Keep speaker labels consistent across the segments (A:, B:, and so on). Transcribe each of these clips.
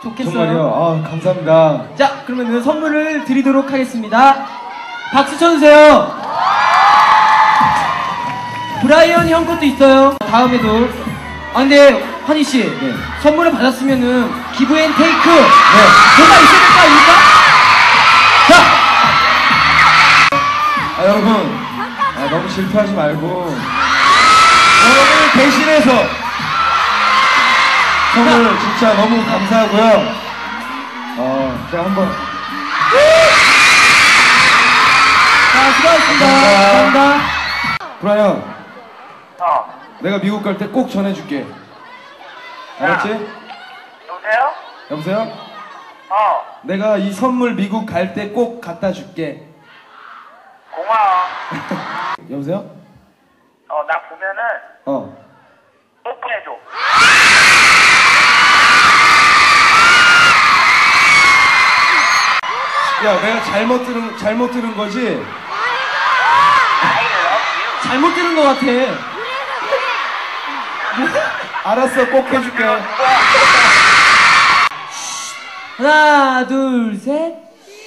A: 좋겠어요.
B: 정말요? 아, 감사합니다.
A: 자, 그러면 선물을 드리도록 하겠습니다. 박수 쳐주세요. 브라이언 형 것도 있어요. 다음에도. 아, 근데 환희씨,
B: 네.
A: 선물을 받았으면은 기브 앤 테이크
B: 네.
A: 뭐가 있어야 될 거 아닙니까? 자!
B: 아, 여러분. 너무 질투하지 말고 여러분을 대신해서 선물 진짜 너무 감사하고요. 제가 한번
A: 자, 수고하셨습니다. 감사합니다.
B: 브라이언, 내가 미국 갈 때 꼭 전해줄게. 알았지?
C: 여보세요?
B: 여보세요? 내가 이 선물 미국 갈 때 꼭 갖다 줄게.
C: 고마워.
B: 여보세요?
C: 나 보면은 뽀뽀해줘.
B: 야, 내가 잘못 들은 거지?
C: I love you.
A: 잘못 들은 것 같아.
B: 알았어, 꼭 해줄게.
A: 하나, 둘, 셋.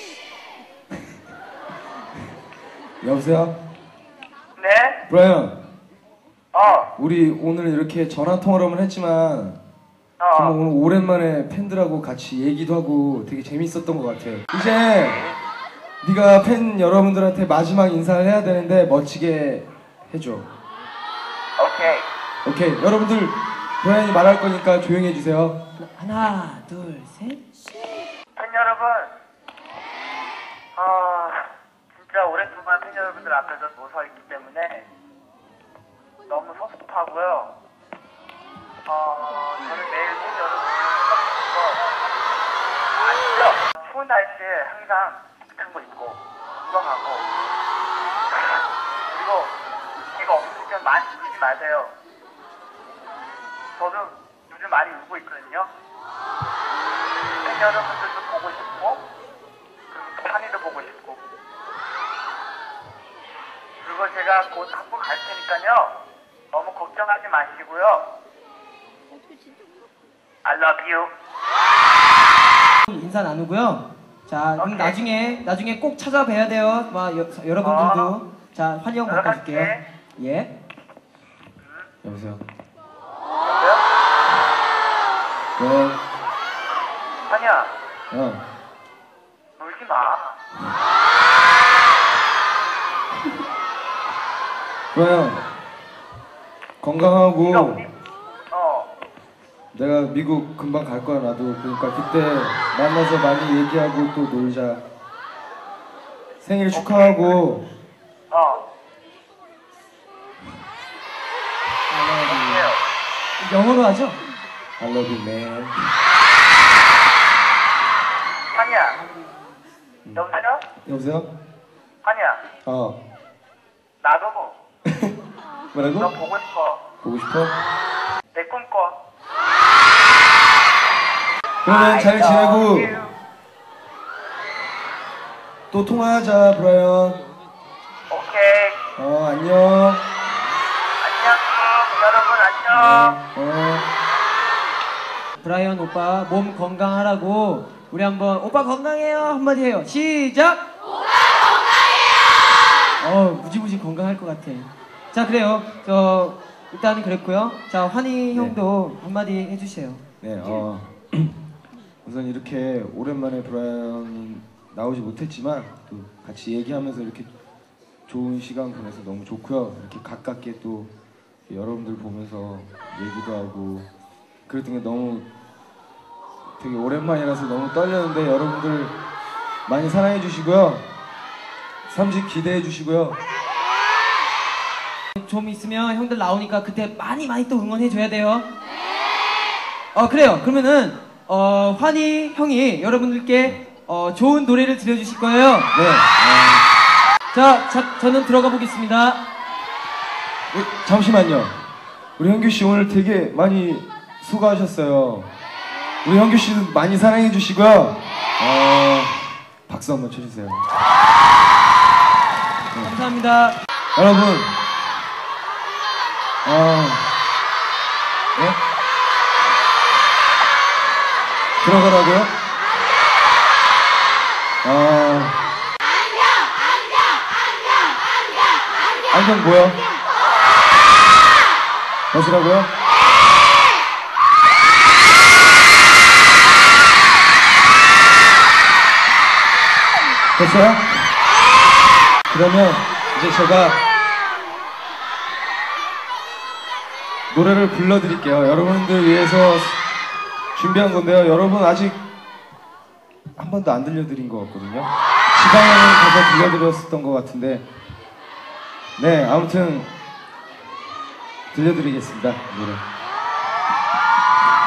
B: 여보세요?
C: 네?
B: 브라이언, 우리 오늘 이렇게 전화 통화를 했지만 정말 오늘 오랜만에 팬들하고 같이 얘기도 하고 되게 재밌었던 것 같아. 이제 네가 팬 여러분들한테 마지막 인사를 해야 되는데 멋지게 해줘.
C: 오케이.
B: 오케이, 여러분들 브라이언이 말할 거니까 조용히 해주세요.
A: 하나, 둘, 셋.
C: 팬 여러분, 진짜 오랫동안 팬 여러분들 앞에서 서 있기 때문에 너무 섭섭하고요. 저는 매일 팬 여러분들 섭섭하고 아시죠? 추운 날씨에 항상 같은 거 입고 구경하고 그리고 이거 없으면 많이 울지 마세요. 저도 요즘 많이 울고 있거든요. 팬 여러분들도 보고 싶고 그리고 환희도 보고 싶고 그리고 제가 곧 한국 갈 테니까요. 너무 걱정하지 마시고요. I love you.
A: 인사 나누고요. 자, 그럼
C: 오케이.
A: 나중에 꼭 찾아뵈야 돼요. 여러분들도. 자, 환희 형 바꿔줄게요. 예.
B: 여보세요?
C: 여보세요?
B: 네.
C: 환희야, 울지 마.
B: 브라이언, 건강하고
C: 네가 우리
B: 내가 미국 금방 갈 거야 나도. 그러니까 그때 만나서 많이 얘기하고 또 놀자. 생일 축하하고.
A: 영어로 하죠?
B: I love you, man.
C: 환희야, 여보세요?
B: 여보세요?
C: 환희야, 나도
B: 뭐라고?
C: 너 보고 싶어.
B: 보고 싶어?
C: 내 꿈꿔.
B: 그러면 잘 지내고 또 통화하자, 브라이언.
C: 오케이.
B: 안녕.
C: 안녕. 여러분 안녕.
A: 브라이언 오빠 몸 건강하라고 우리 한번 오빠 건강해요 한마디 해요. 시작. 오빠 건강해요. 무지무지 건강할 것 같아. 자, 그래요. 일단은 그랬고요. 자, 환희 형도 한마디 해주세요.
B: 네, 우선 이렇게 오랜만에 브라이언이 나오지 못했지만 또 같이 얘기하면서 이렇게 좋은 시간 보내서 너무 좋고요. 이렇게 가깝게 또 여러분들 보면서 얘기도 하고 그랬던 게 너무 되게 오랜만이라서 너무 떨렸는데 여러분들 많이 사랑해 주시고요. 3집 기대해 주시고요.
A: 좀 있으면 형들 나오니까 그때 많이 또 응원해 줘야 돼요. 그래요. 그러면은 환희 형이 여러분들께 좋은 노래를 들려주실 거예요.
B: 네.
A: 자, 저는 들어가 보겠습니다.
B: 잠시만요. 우리 현규 씨 오늘 되게 많이 수고하셨어요. 우리 현규 씨도 많이 사랑해 주시고요. 박수 한번 쳐주세요.
A: 감사합니다.
B: 여러분, 네? 들어가라고요? 안경 뭐야? 벗으라고요? 됐어요? 그러면 이제 제가 노래를 불러드릴게요. 여러분들 위해서 준비한 건데요. 여러분 아직 한 번도 안 들려드린 것 같거든요. 지방에 가서 들려드렸었던 것 같은데, 네, 아무튼 들려드리겠습니다. 노래.